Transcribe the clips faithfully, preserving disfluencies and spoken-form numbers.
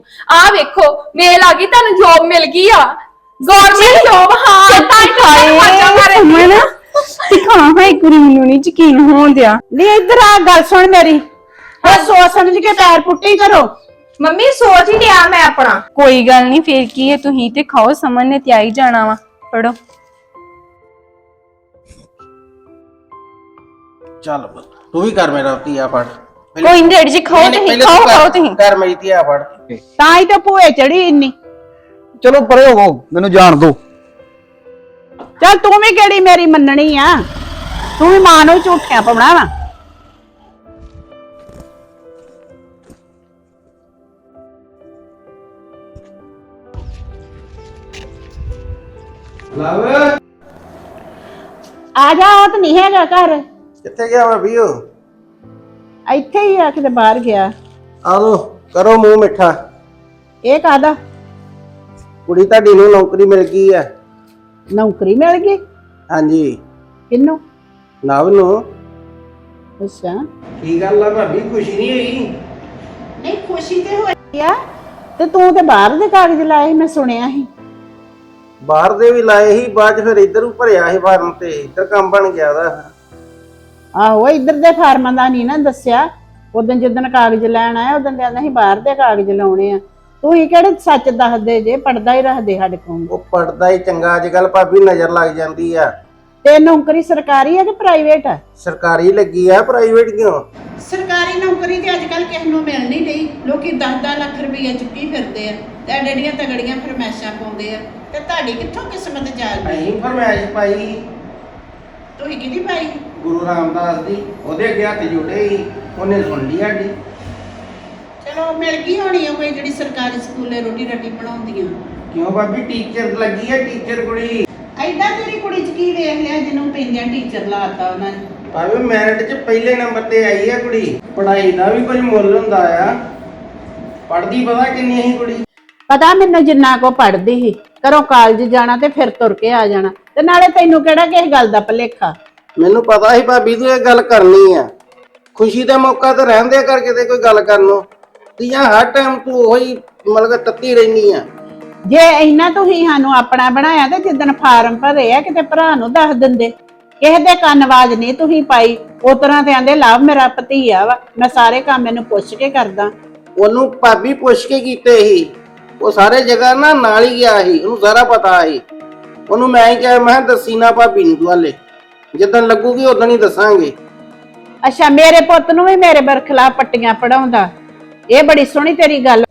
आ वेखो mail आ गई तुहानू job मिल गई आ गवर्नमेंट जॉब। हां मैं ना दिखा हां एक बारी मैनू नहीं यकीन होन दिया। नहीं इधर आ गल सुन मेरी और सोच समझ के पैर पुट्टी करो। मम्मी सोच ही लिया मैं अपना। कोई गल नहीं फिर की है तुही ते खाओ समझ ने ते आई जाना वा। पढ़ो चल तू भी कर मेरा तिया पढ़। कोई नहीं जी खाओ तुही खाओ खाओ तुही कर मेरी तिया पढ़। ਤਾਂ ਹੀ ਤਾਂ ਭੂਏ ਚੜੀ ਇੰਨੀ। चलो परे हो मैनू जान दो। ਚੱਲ ਤੂੰ ਵੀ ਕਿਹੜੀ ਮੇਰੀ ਮੰਨਣੀ ਆ ਤੂੰ ਵੀ ਮਾਂ ਨੂੰ ਝੂਠਿਆਂ ਪਾਉਣਾ ਵਾ। ਲਵ ਆ ਜਾ ਉਹ ਤਾਂ ਨਹੀਂ ਹੈਗਾ ਘਰ ਕਿੱਥੇ ਗਿਆ ਭਾਬੀ ਉਹ? ਇੱਥੇ ਹੀ ਆ ਕਿਤੇ ਬਾਹਰ ਗਿਆ। ਆ ਲੋ ਕਰੋ ਮੂੰਹ ਮਿੱਠਾ। ਇਹ ਕਾਹਦਾ? ਕੁੜੀ ਤੁਹਾਡੀ ਨੂੰ ਨੌਕਰੀ ਮਿਲ ਗਈ ਆ। ਨੌਕਰੀ ਮਿਲ ਗਈ? ਹਾਂਜੀ ਕਿਹਨੂੰ? ਨਵ ਨੂੰ। ਅੱਛਾ ਕੀ ਗੱਲ ਆ ਭਾਬੀ ਖੁਸ਼ੀ ਨਹੀਂ ਹੋਈ? ਨਹੀਂ ਖੁਸ਼ੀ ਤੇ ਹੋਈ ਆ ਤੇ ਤੂੰ ਤੇ ਬਾਹਰ ਦੇ ਕਾਗਜ਼ ਲਾਏ ਮੈਂ ਸੁਣਿਆ ਸੀ। ਬਾਹਰ ਦੇ ਵੀ ਲਾਏ ਸੀ ਬਾਅਦ ਚ ਫਿਰ ਇੱਧਰ ਨੂੰ ਭਰਿਆ ਸੀ ਫਾਰਮ ਤੇ ਇੱਧਰ ਕੰਮ ਬਣ ਗਿਆ ਦਾ। ਆਹੋ ਇੱਧਰ ਦੇ ਫਾਰਮਾਂ ਦਾ ਨਹੀਂ ਨਾ ਦੱਸਿਆ। ਉਦੋਂ ਜਦੋਂ ਕਾਗਜ਼ ਲੈਣ ਆਇਆ ਉਦੋਂ ਕਹਿੰਦਾ ਸੀ ਬਾਹਰ ਦੇ ਕਾਗਜ਼ ਲਾਉਣੇ ਆ। ਤੂੰ ਹੀ ਕਿਹੜੇ ਸੱਚ ਦੱਸਦੇ ਜੇ ਪੜਦਾ ਹੀ ਰੱਖਦੇ ਸਾਡੇ ਕੋਲ। ਉਹ ਪੜਦਾ ਹੀ ਚੰਗਾ ਅੱਜ ਕੱਲ ਭਾਬੀ ਨਜ਼ਰ ਲੱਗ ਜਾਂਦੀ ਆ। ਤੇ ਨੌਕਰੀ ਸਰਕਾਰੀ ਆ ਕਿ ਪ੍ਰਾਈਵੇਟ ਆ? ਸਰਕਾਰੀ ਲੱਗੀ ਆ ਪ੍ਰਾਈਵੇਟ ਕਿਉਂ? ਸਰਕਾਰੀ ਨੌਕਰੀ ਤੇ ਅੱਜ ਕੱਲ ਕਿਸੇ ਨੂੰ ਮਿਲ ਨਹੀਂ ਰਹੀ। ਲੋਕੀ ਦਸ ਦਸ ਲੱਖ ਰੁਪਈਆ ਚੁੱਕੀ ਫਿਰਦੇ ਆ ਤੇ ਐਡੀਆਂ ਤਗੜੀਆਂ ਫਰਮੈਸ਼ਾਂ ਪਾਉਂਦੇ ਆ ਤੇ ਤੁਹਾਡੀ ਕਿੱਥੋਂ ਕਿਸਮਤ ਜਾਗਦੀ? ਅਸੀਂ ਫਰਮਾਇਸ਼ ਪਾਈ ਤੁਸੀਂ ਕਿਹਦੀ ਪਾਈ? ਗੁਰੂ ਰਾਮਦਾਸ ਦੀ। ਉਹਦੇ ਅੱਗੇ ਹੱਥ ਜੋੜੇ ਸੀ ਉਹਨੇ ਸੁਣ ਲਈ ਸਾਡੀ। ਚਲੋ ਮਿਲ ਗਈ ਹੋਣੀ ਆ ਕੋਈ ਜਿਹੜੀ ਸਰਕਾਰੀ ਸਕੂਲੇ ਰੋਟੀ ਰੱਟੀ ਬਣਾਉਂਦੀਆਂ। ਕਿਉਂ ਭਾਬੀ ਟੀਚਰ ਲੱਗੀ ਆ ਟੀਚਰ ਕੁੜੀ। ਐਦਾਂ ਤੇਰੀ ਕੁੜੀ ਚ ਕੀ ਵੇਖ ਲਿਆ ਜਿਹਨੂੰ ਪੈਂਦਿਆਂ ਟੀਚਰ ਲਾਤਾ ਉਹਨਾਂ ਨੇ? ਭਾਵੇਂ ਮੈਰਿਟ 'ਚ ਪਹਿਲੇ ਨੰਬਰ ਤੇ ਆਈ ਆ ਕੁੜੀ। ਪੜ੍ਹਾਈ ਦਾ ਵੀ ਕੁਝ ਮੁੱਲ ਹੁੰਦਾ ਆ। ਪੜ੍ਹਦੀ ਪਤਾ ਕਿੰਨੀ ਸੀ ਕੁੜੀ? ਪਤਾ ਮੈਨੂੰ ਜਿੰਨਾ ਕੋ ਪੜ੍ਹਦੀ ਸੀ ਘਰੋਂ ਕਾਲਜ ਜਾਣਾ ਤੇ ਫਿਰ ਤੁਰ ਕੇ ਆ ਜਾਣਾ ਤੇ ਨਾਲੇ ਤੈਨੂੰ ਕਿਹੜਾ ਕਿਸੇ ਗੱਲ ਦਾ ਭੁਲੇਖਾ? ਮੈਨੂੰ ਪਤਾ ਸੀ ਭਾਬੀ ਤੂੰ ਇਹ ਗੱਲ ਕਰਨੀ ਆ। ਖੁਸ਼ੀ ਦਾ ਮੌਕਾ ਤਾਂ ਰਹਿੰਦੇ ਕਰ ਕਿਤੇ ਕੋਈ ਗੱਲ ਕਰਨ ਨੂੰ। ਤੀਆਂ ਹਰ ਟਾਈਮ ਤੂੰ ਉਹੀ ਮਤਲਬ ਤੱਤੀ ਰਹਿਨੀ ਆ। ਜੇ ਇੰਨਾ ਤੁਸੀਂ ਸਾਨੂੰ ਆਪਣਾ ਬਣਾਇਆ ਤੇ ਜਿੱਦਣ ਫਾਰਮ ਭਰੇ ਆ ਕਿਤੇ ਭਰਾ ਨੂੰ ਦੱਸ ਦਿੰਦੇ। ਕਿਸੇ ਦੇ ਕੰਨ ਆਵਾਜ਼ ਨਹੀਂ ਤੁਸੀਂ ਪਾਈ। ਉਸ ਤਰ੍ਹਾਂ ਤੇ ਆਂਦੇ ਲਵ ਮੇਰਾ ਭਤੀਆ ਵਾ ਮੈਂ ਸਾਰੇ ਕੰਮ ਇਹਨੂੰ ਪੁੱਛ ਕੇ ਕਰਦਾ। ਉਹਨੂੰ ਭਾਬੀ ਪੁੱਛ ਕੇ ਕੀਤੇ ਸੀ। ਉਹ ਸਾਰੇ ਜਗ੍ਹਾ ਨਾ ਨਾਲ ਹੀ ਗਿਆ ਸੀ ਉਹਨੂੰ ਸਾਰਾ ਪਤਾ ਸੀ। ਉਹਨੂੰ ਮੈਂ ਹੀ ਕਿਹਾ ਮੈਂ ਦੱਸੀ ਨਾ ਭਾਬੀ ਨੂੰ ਤੂੰ ਹਾਲੇ ਜਿੱਦਣ ਲੱਗੂਗੀ ਉਦੋਂ ਹੀ ਦੱਸਾਂਗੇ। ਅੱਛਾ ਮੇਰੇ ਪੁੱਤ ਨੂੰ ਵੀ ਮੇਰੇ ਬਰਖਲਾਫ ਪੱਟੀਆਂ ਪੜਾਉਂਦਾ। ਇਹ ਬੜੀ ਸੋਹਣੀ ਤੇਰੀ ਗੱਲ।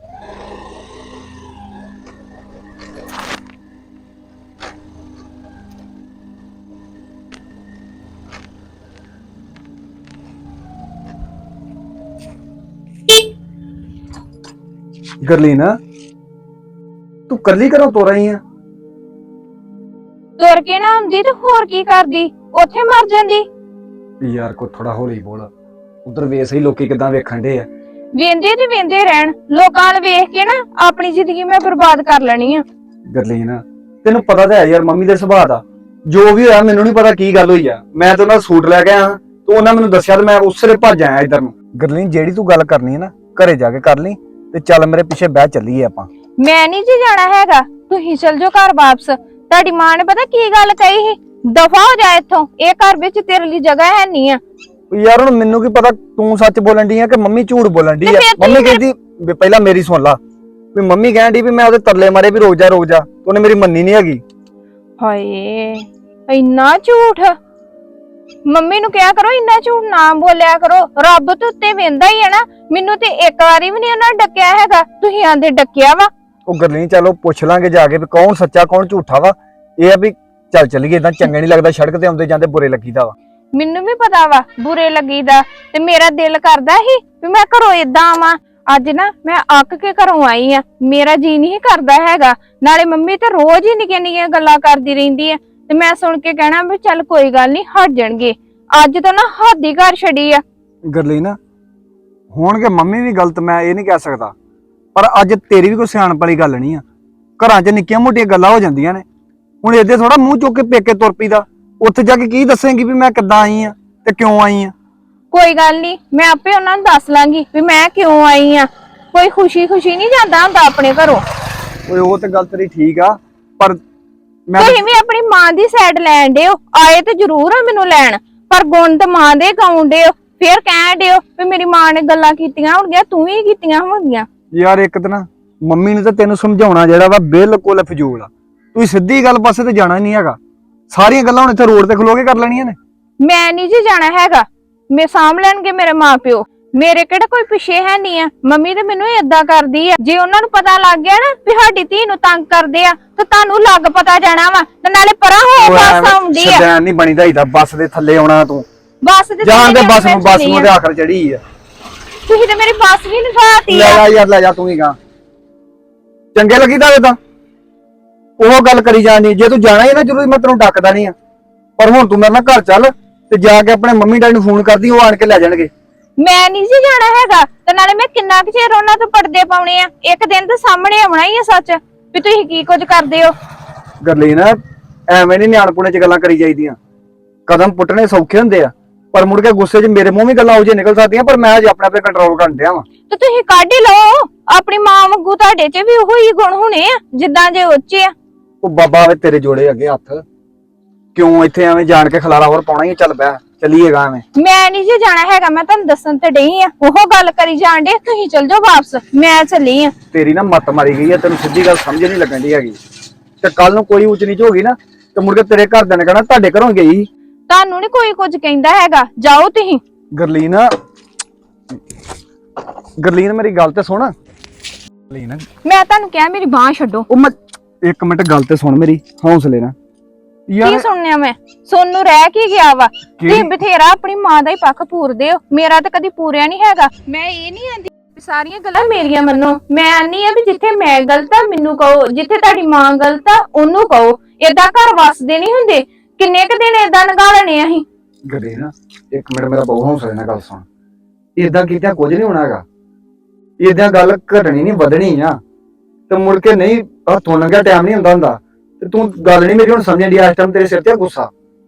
गरलीन तू कली घरों तो रही है? ਤੁਰ ਕੇ ਨਾ ਹੁੰਦੀ ਤੇ ਹੋਰ ਕੀ ਕਰਦੀ ਉੱਥੇ ਮਰ ਜਾਂਦੀ। यार को थोड़ा हौली बोल। उधर वेस ही लोकी किदां वेखण दे आ। ਵੇਂਦੇ ਤੇ ਵੇਂਦੇ ਰਹਿਣ ਲੋਕਾਂ ਨੂੰ ਵੇਖ ਕੇ ਨਾ ਆਪਣੀ ਜ਼ਿੰਦਗੀ ਮੈਂ ਬਰਬਾਦ ਕਰ ਲੈਣੀ ਆ। गरलीन तेनू पता तो है यार मम्मी दे सुभाਅ दा जो भी होया मैनू नहीं पता की गल होई आ। मैं तो उन्हां सूट लै के आया तो उन्हां मैनू दस्सिया ते मैं उसरे भज आया इधर नूं। गरलीन जेड़ी तू गल करनी है ना घरे जाके कर ली ते चल मेरे पिछे बह चलीए आपां। ਮੈਂ ਨਹੀਂ ਜੀ ਜਾਣਾ ਹੈਗਾ ਤੁਸੀਂ ਚਲ ਜਾਓ ਘਰ ਵਾਪਸ। ਤੁਹਾਡੀ ਮਾਂ ਨੇ ਪਤਾ ਕੀ ਗੱਲ ਕਹੀ ਸੀ ਦਫਾ ਹੋ ਜਾ ਇੱਥੋਂ ਇਹ ਘਰ ਵਿੱਚ ਤੇਰੇ ਲਈ ਜਗ੍ਹਾ ਹੈ ਨਹੀਂ ਆ। यार हुण मैनू की पता तू सच बोलन दी है कि मम्मी झूठ बोलन दी है? मम्मी कहती पहला मेरी सुन ला भी मम्मी कहन दी भी मैं ओदे तरले मारे भी रोक जा रोक जा तो उन्हें मेरी मन्नी नहीं हैगी। ਹਾਏ ਇੰਨਾ ਝੂਠ। ਮੰਮੀ ਨੂੰ ਕਿਹਾ ਕਰੋ ਇੰਨਾ ਝੂਠ ਨਾ ਬੋਲਿਆ ਕਰੋ। ਰੱਬ ਤੇ ਉੱਤੇ ਵੇਂਦਾ ਹੀ ਹੈ ਨਾ। ਮੈਨੂੰ ਤੇ ਇੱਕ ਵਾਰੀ ਵੀ ਨਹੀਂ ਉਹਨਾਂ ਡੱਕਿਆ ਹੈਗਾ ਤੁਸੀਂ ਆਂਦੇ ਡੱਕਿਆ ਵਾ। ਉਹ ਗਰਲੀਨ ਚਲੋ ਪੁੱਛ ਲਾਂਗੇ ਜਾ ਕੇ ਵੀ ਕੌਣ ਸੱਚਾ ਕੌਣ ਝੂਠਾ ਵਾ। ਇਹ ਆ ਵੀ ਚੱਲ ਚੱਲੀਏ ਇਦਾਂ ਚੰਗਾ ਨਹੀਂ ਲੱਗਦਾ ਸੜਕ ਤੇ ਆਉਂਦੇ ਜਾਂਦੇ ਬੁਰੇ ਲੱਗੀਦਾ ਵਾ। ਮੈਨੂੰ ਵੀ ਪਤਾ ਵਾ ਬੁਰੇ ਲੱਗੀਦਾ ਤੇ ਮੇਰਾ ਦਿਲ ਕਰਦਾ ਸੀ ਵੀ ਮੈਂ ਘਰੋਂ ਏਦਾਂ ਆਵਾਂ। ਅੱਜ ਨਾ ਮੈਂ ਅੱਕ ਕੇ ਘਰੋਂ ਆਈ ਆ ਮੇਰਾ ਜੀ ਨਹੀਂ ਕਰਦਾ ਹੈਗਾ। ਨਾਲੇ ਮੰਮੀ ਤੇ ਰੋਜ਼ ਹੀ ਨਿੱਕੀਆਂ ਨਿੱਕੀਆਂ ਗੱਲਾਂ ਕਰਦੀ ਰਹਿੰਦੀ ਆ ਤੇ ਮੈਂ ਸੁਣ ਕੇ ਕਹਿਣਾ ਵੀ ਚੱਲ ਕੋਈ ਗੱਲ ਨਹੀਂ ਹਟ ਜਾਣਗੇ। ਅੱਜ ਤਾਂ ਨਾ ਹੱਦ ਹੀ ਘਰ ਛੱਡੀ ਆ। ਗਰਲੀਨ ਹੋਣਗੇ ਮੰਮੀ ਵੀ ਗਲਤ ਮੈਂ ਇਹ ਨਹੀਂ ਕਹਿ ਸਕਦਾ ਪਰ ਅੱਜ ਤੇਰੀ ਵੀ ਕੋਈ ਸਿਆਣਪ ਵਾਲੀ ਗੱਲ ਨਹੀਂ ਆ। ਘਰਾਂ 'ਚ ਨਿੱਕੀਆਂ ਮੋਟੀਆਂ ਗੱਲਾਂ ਹੋ ਜਾਂਦੀਆਂ ਨੇ। ਹੁਣ ਇਹਦੇ ਥੋੜਾ ਮੂੰਹ ਚੁੱਕ ਕੇ ਪੇਕੇ ਤੁਰ ਪਈਦਾ। ਉੱਥੇ ਜਾ ਕੇ ਕੀ ਦੱਸੇਂਗੀ ਵੀ ਮੈਂ ਕਿੱਦਾਂ ਆਈ ਆ ਤੇ ਕਿਉਂ ਆਈ ਆ? ਕੋਈ ਗੱਲ ਨਹੀਂ ਮੈਂ ਆਪੇ ਉਹਨਾਂ ਨੂੰ ਦੱਸ ਲਾਂਗੀ ਵੀ ਮੈਂ ਕਿਉਂ ਆਈ ਆ। ਕੋਈ ਖੁਸ਼ੀ ਖੁਸ਼ੀ ਨਹੀਂ ਜਾਂਦਾ ਹੁੰਦਾ ਆਪਣੇ ਘਰੋਂ। ਓਏ ਉਹ ਤੇ ਗੱਲ ਤੇਰੀ ਠੀਕ ਆ, ਪਰ ਮੈਂ ਤੁਸੀਂ ਵੀ ਆਪਣੀ ਮਾਂ ਦੀ ਸਾਈਡ ਲੈਣ ਦਿਓ, ਆਏ ਤੇ ਜ਼ਰੂਰ ਆ ਮੈਨੂੰ ਲੈਣ, ਪਰ ਗੁਣ ਤੇ ਮਾਂ ਦੇ ਗਾਉਣ ਦਿਓ, ਫੇਰ ਕਹਿਣ ਦਿਓ ਵੀ ਮੇਰੀ ਮਾਂ ਨੇ ਗੱਲਾਂ ਕੀਤੀਆਂ ਹੋਣਗੀਆਂ, ਤੂੰ ਵੀ ਕੀਤੀਆਂ ਹੋਣਗੀਆਂ। ਯਾਰ ਇੱਕ ਤਾਂ ਨਾ ਮੰਮੀ ਨੇ ਤਾਂ ਤੈਨੂੰ ਸਮਝਾਉਣਾ ਜਿਹੜਾ ਵਾ ਬਿਲਕੁਲ ਫਜ਼ੂਲ ਆ। ਤੂੰ ਸਿੱਧੀ ਗੱਲ ਪਾਸੇ ਤੇ ਜਾਣਾ ਨਹੀਂ ਹੈਗਾ, ਸਾਰੀਆਂ ਗੱਲਾਂ ਹੁਣ ਇੱਥੇ ਰੋਡ ਤੇ ਖਲੋ ਕੇ ਕਰ ਲੈਣੀਆਂ ਨੇ। ਮੈਂ ਨਹੀਂ ਜੀ ਜਾਣਾ ਹੈਗਾ, ਮੈਂ ਸਾਂਭ ਲੈਣਗੇ ਮੇਰੇ ਮਾਪਿਓ, ਮੇਰੇ ਕਿਹੜਾ ਕੋਈ ਪਿੱਛੇ ਹੈ ਨਹੀਂ ਆ। ਮੰਮੀ ਤੇ ਮੈਨੂੰ ਏਦਾਂ ਕਰਦੀ ਆ, ਜੇ ਉਹਨਾਂ ਨੂੰ ਪਤਾ ਲੱਗ ਗਿਆ ਨਾ ਵੀ ਸਾਡੀ ਧੀ ਨੂੰ ਤੰਗ ਕਰਦੇ ਆ ਤਾਂ ਤੁਹਾਨੂੰ ਲੱਗ ਪਤਾ ਜਾਣਾ ਵਾ, ਤੇ ਨਾਲੇ ਪਰਾਂ ਹੋ ਬੱਸ ਆਉਂਦੀ ਆ। ਸ਼ੈਤਾਨ ਨਹੀਂ ਬਣੀਦਾ ਹੀਦਾ, ਬੱਸ ਦੇ ਥੱਲੇ ਆਉਣਾ ਤੂੰ, ਬੱਸ ਦੇ ਜਾਣ ਦੇ ਬੱਸ ਨੂੰ, ਬੱਸ ਨੂੰ ਤੇ ਆਖਰ ਚੜੀ ਆ। ਤੁਸੀਂ ਤੇ ਮੇਰੀ ਬੱਸ ਵੀ ਨਿਭਾਤੀ ਲੈ ਆ। ਜਾ ਯਾਰ, ਲੈ ਜਾ ਤੂੰ ਹੀ ਗਾ, ਚੰਗੇ ਲੱਗੀ ਤਾਂ ਤਾਂ ਉਹ ਗੱਲ ਕਰੀ ਜਾਣੀ। ਜੇ ਤੂੰ ਜਾਣਾ ਹੀ ਨਾ ਜ਼ਰੂਰੀ, ਮੈਂ ਤੈਨੂੰ ਡੱਕਦਾ ਨਹੀਂ ਆ, ਪਰ ਹੁਣ ਤੂੰ ਮੇਰੇ ਨਾਲ ਘਰ ਚੱਲ ਤੇ ਜਾ ਕੇ ਆਪਣੇ ਮੰਮੀ ਡੈਡੀ ਨੂੰ ਫੋਨ ਕਰਦੀ, ਉਹ ਆਣ ਕੇ ਲੈ ਜਾਣਗੇ। ਮੈਂ ਨਹੀਂ ਜੀ ਜਾਣਾ ਹੈਗਾ, ਤੇ ਨਾਲੇ ਮੈਂ ਕਿੰਨਾ ਕੁ ਚਿਰ ਉਹਨਾਂ ਤੋਂ ਪਰਦੇ ਪਾਉਣੇ ਆ, ਇੱਕ ਦਿਨ ਤੇ ਸਾਹਮਣੇ ਆਉਣਾ ਹੀ ਆ ਸੱਚ ਵੀ ਤੁਸੀਂ ਕੀ ਕੁਝ ਕਰਦੇ ਹੋ। ਗਰਲੀਨ, ਐਵੇਂ ਨਹੀਂ ਨਿਆਣਪੁਣੇ ਚ ਗੱਲਾਂ ਕਰੀ ਜਾਈਦੀਆਂ, ਕਦਮ ਪੁੱਟਣੇ ਸੌਖੇ ਹੁੰਦੇ ਆ, ਪਰ ਮੁੜ ਕੇ ਗੁੱਸੇ 'ਚ ਮੇਰੇ ਮੂੰਹ ਵੀ ਗੱਲਾਂ ਉਹ ਜਿਹੇ ਨਿਕਲ ਸਕਦੀਆਂ, ਪਰ ਮੈਂ ਅਜੇ ਆਪਣੇ ਆਪੇ ਕੰਟਰੋਲ ਕਰਨ ਡਿਆ ਵਾਂ। ਤੇ ਤੁਸੀਂ ਕੱਢ ਹੀ ਲਓ, ਆਪਣੀ ਮਾਂ ਵਾਂਗੂ ਤੁਹਾਡੇ 'ਚ ਵੀ ਉਹੋ ਹੀ ਗੁਣ ਹੋਣੇ ਆ ਜਿੱਦਾਂ ਜੇ ਉੱਚੇ ਆ। ਉਹ ਬਾਬਾ ਵੇ ਤੇਰੇ ਜੋੜੇ ਅੱਗੇ ਹੱਥ, ਕਿਉਂ ਇੱਥੇ ਐਵੇਂ ਜਾਣ ਕੇ ਖਲਾਰਾ ਹੋਰ ਪਾਉਣਾ ਹੀ, ਚੱਲ ਬੈ ਚੱਲੀਏਗਾ ਐਵੇਂ। ਮੈਂ ਨਹੀਂ ਜੀ ਜਾਣਾ ਹੈਗਾ, ਮੈਂ ਤੁਹਾਨੂੰ ਦੱਸਣ ਤੇ ਡਈ ਆ, ਉਹ ਗੱਲ ਕਰੀ ਜਾਣ ਡੇ, ਤੁਸੀਂ ਚਲ ਜਾਓ ਵਾਪਸ, ਮੈਂ ਚੱਲੀ ਆ। ਤੇਰੀ ਨਾ ਮੱਤ ਮਾਰੀ ਗਈ ਆ, ਤੈਨੂੰ ਸਿੱਧੀ ਗੱਲ ਸਮਝ ਨਹੀਂ ਲੱਗਣ ਦੀ ਹੈਗੀ, ਤੇ ਕੱਲ ਨੂੰ ਕੋਈ ਉੱਚ ਨੀਚ ਹੋ ਗਈ ਨਾ ਤੇ ਮੁੜ ਕੇ ਤੇਰੇ ਘਰਦਿਆਂ ਨੇ ਕਹਿਣਾ ਤੁਹਾਡੇ ਘਰੋਂ ਗਈ। ਤੁਹਾਨੂੰ ਨੀ ਕੋਈ ਕੁਝ ਕਹਿੰਦਾ ਹੈਗਾ, ਜਾਓ ਤੁਸੀਂ। ਗਰਲੀਨ, ਗਰਲੀਨ ਮੇਰੀ ਗੱਲ ਤੇ ਸੁਣ। ਗਰਲੀਨ, ਮੈਂ ਤੁਹਾਨੂੰ ਕਿਹਾ ਮੇਰੀ ਬਾਹ ਛੱਡੋ। ਉਹ ਮੈਂ ਇੱਕ ਮਿੰਟ ਗੱਲ ਤੇ ਸੁਣ ਮੇਰੀ, ਹੌਸਲੇ ਨਾਲ। ਕੀ ਸੁਣਨਿਆ ਮੈਂ? ਸੋਨੂੰ ਰਹਿ ਕੀ ਗਿਆ ਵਾ? ਤੁਸੀਂ ਬਥੇਰਾ ਆਪਣੀ ਮਾਂ ਦਾ ਹੀ ਪੱਖ ਪੂਰਦੇ ਹੋ, ਮੇਰਾ ਤਾਂ ਕਦੀ ਪੂਰਿਆ ਨਹੀਂ ਹੈਗਾ। ਮੈਂ ਇਹ ਨਹੀਂ ਆਂਦੀ ਸਾਰੀਆਂ ਗੱਲਾਂ ਮੇਰੀਆਂ ਮੰਨੋ, ਮੈਂ ਆਨੀ ਆ ਵੀ ਜਿੱਥੇ ਮੈਂ ਗਲਤ ਆ ਮੈਨੂੰ ਕਹੋ, ਜਿੱਥੇ ਤੁਹਾਡੀ ਮਾਂ ਗਲਤ ਆ ਉਹਨੂੰ ਕਹੋ। ਏਦਾਂ ਘਰ ਵਸਦੇ ਨਹੀਂ ਹੁੰਦੇ, ਕਿੰਨੇ ਕ ਦਿਨ ਏਦਾਂ ਲੰਘਾ ਲੈਣੇ ਅਸੀਂ। ਗਰਲੀਨ, ਇੱਕ ਮਿੰਟ ਮੇਰਾ ਬਹੁਤ ਹੌਸਲੇ ਨਾਲ ਗੱਲ ਸੁਣ। ਏਦਾਂ ਕੀਤਾ ਕੁਝ ਨਹੀਂ ਹੋਣਾ ਹੈਗਾ, ਏਦਾਂ ਗੱਲ ਘਟਣੀ ਨਹੀਂ ਵਧਣੀ ਆ, ਤੇ ਮੁੜ ਕੇ ਨਹੀਂ ਹੱਥੋਂ ਲੰਘਿਆ ਟਾਈਮ ਨਹੀਂ ਹੁੰਦਾ ਹੁੰਦਾ। ਤੇ ਤੂੰ ਗੱਲ ਨਹੀਂ ਮੇਰੀ ਹੁਣ ਸਮਝਣ ਦੀ, ਇਸ ਟਾਈਮ ਤੇਰੇ ਸਿਰ ਤੇ ਗੁੱਸਾ।